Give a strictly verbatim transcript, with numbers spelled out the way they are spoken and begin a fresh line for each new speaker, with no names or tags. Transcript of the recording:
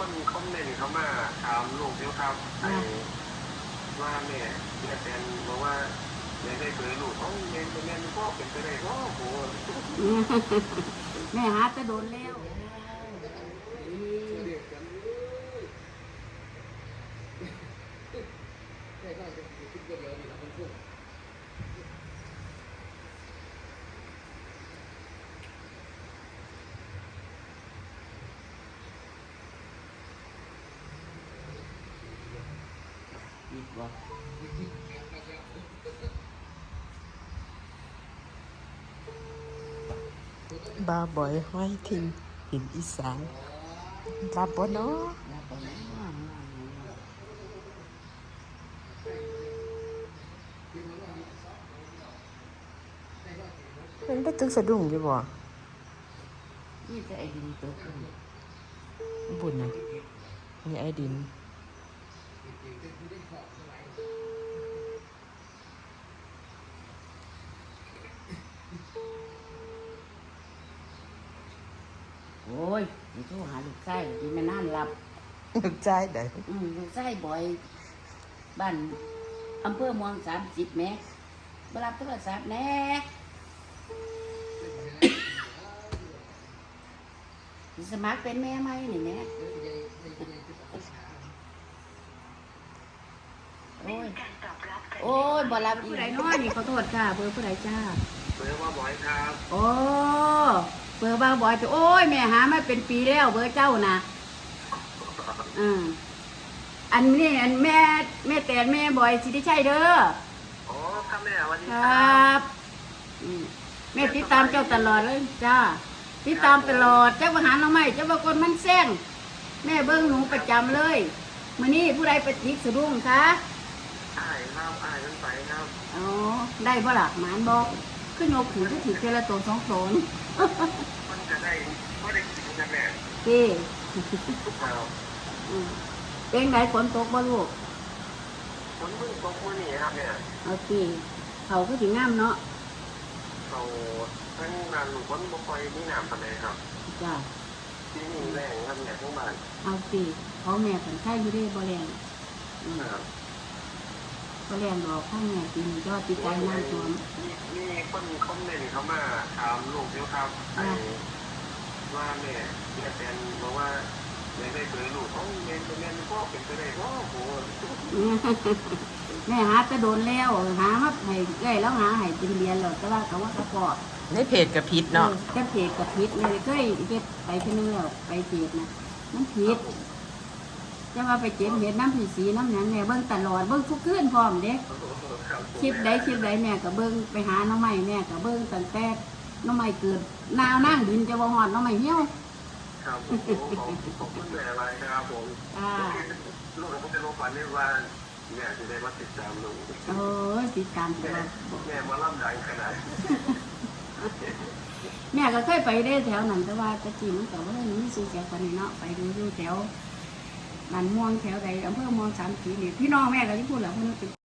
คนคอมเมนต์เขามาถามลูกเดียวครับไอ้ว่าแม่แม่แฟนบอกว่าแม่ได้เคยลูกเขาแม่เป็นแม่เป็นพ่อเป็นไปได้ก็โห
แม่หาจะโดนแล้วดีกว่า
บาบ่อยห้อยทิ้งหินอีสานรับบ่เนาะมันได้ตึกสะดุ้งอยู่บ่
นี่จะไอ้ดินตัวขึ้น
บุญนะมีไอ้ดิน
โอ้ยนี่โทรหาลูกไส้ดีแม่น้ำรับ
นึกใจได้
อืมลูกไส้บ่อยบ้านอำเภอเมืองสามสิบแม่บรับโทรศัพท์แน่สมัครเป็นแม่ไหมนี่แม่โอ้ยโอ้ยบ่รับผู้ใดน้อยนี่ขอโทษค่ะเบอร์ผู้ใดจ้า
เบอร์ว่าบ่อยครับ
โอ้เบอร์บางบ่อยจะโอ้ยแม่หามาเป็นปีแล้วเบอร์เจ้านะอืมอันนี้อันแม่แม่แต่แม่บ่อยสิได้ใช่เด้อ
อ๋อครับแม่วันนี้
ค
ค
ร
รั
ับอืมแม่ติดตามเจ้าตลอดเลยจ้าติดตามตลอดเจ้าประหารเราไม่เจ้าบางคนมันแซงแม่เบิ้งหนูประจำเลยมื้อนี้ผู้ใดไปติดสะดุ้งคะ
อ้ายครับอ้ายกันไปครับ
อ๋อได้บ่ล่ะหมานบอกขึ้นโยกถือก็ถือเจละตัวสองตัวนี่
มันจะได้ก็ได้กินกันแม่
เจ้
ครับ
อืมเป็นไงฝนตกบ่ลูก
คนเพิ่งตกมื้อนี้ครับเนี่ย
เอาสิเขาก็ถึงงามเนาะ
เขาทั้งนานลูกคนบ่ค่อยมีน้ำปานใดครับ
จ้า
ที่นี่แรงครับเนี่ยทั้งบ้าน
เอาสิเขาแม่ผันไข่อยู่ได้บ่แรงอืม
ครับ
บ่แรงดอกข้างแม่กินยอดติดใจน้ำท่วม
มีมีคนคอมเมนต์เขามาถามลูกเดียวครับไอ้ว่าแม่แม่แฟนบอกว่าแม่ได้เคยลูกเขาแม่เป็นแม่เป็นพ่อเป็นไปได้ก็โห
อืมแม่หาจะโดนแล้วหามาให้เอ้ยแล้วหาให้เป็นเรียนแล้วแต่ว่าเขาว่าเขาปอด
ในเพจกับพิษเนาะ
แค่เพจกับพิษเนี่ยเคยเก็บไปเที่นึงแล้วไปเพจนะมันผิดจะว่าไปเจ็บเห็ดน้ำผีสีน้ำหยังแม่เบิ่งตลอดเบิ่งทุกคืนพร้อมเด้คลิปใดคลิปใดแม่ก็เบิ่งไปหาน้องใหม่แม่ก็เบิ่งตั้งแต่น้องใหม่เกิดนาวนั่งดินจะบ่ฮอดน้องใหม่เหี่ยว
ครับผมผมผมคุณแม่อะไรนะครับผม
อ่า
ลูกผมจะรู้ฝันได้ว่าแม่จะได้มาติดตามลูก
เออติดตามต
แม่
ลอด
แม่มาล่ำดังขนาด
แม่ก็เคยไปได้แถวนั้นแต่ว่าแตะกี้มันก็บ่ได้มีชื่อเสียงปานนี้เนาะไปดูอยู่แถวบ้านม่วงแถวใดอำเภอม่วงสามสีนี่พี่น้องแม่ก็สิพูดแหละเพิ่นเป็น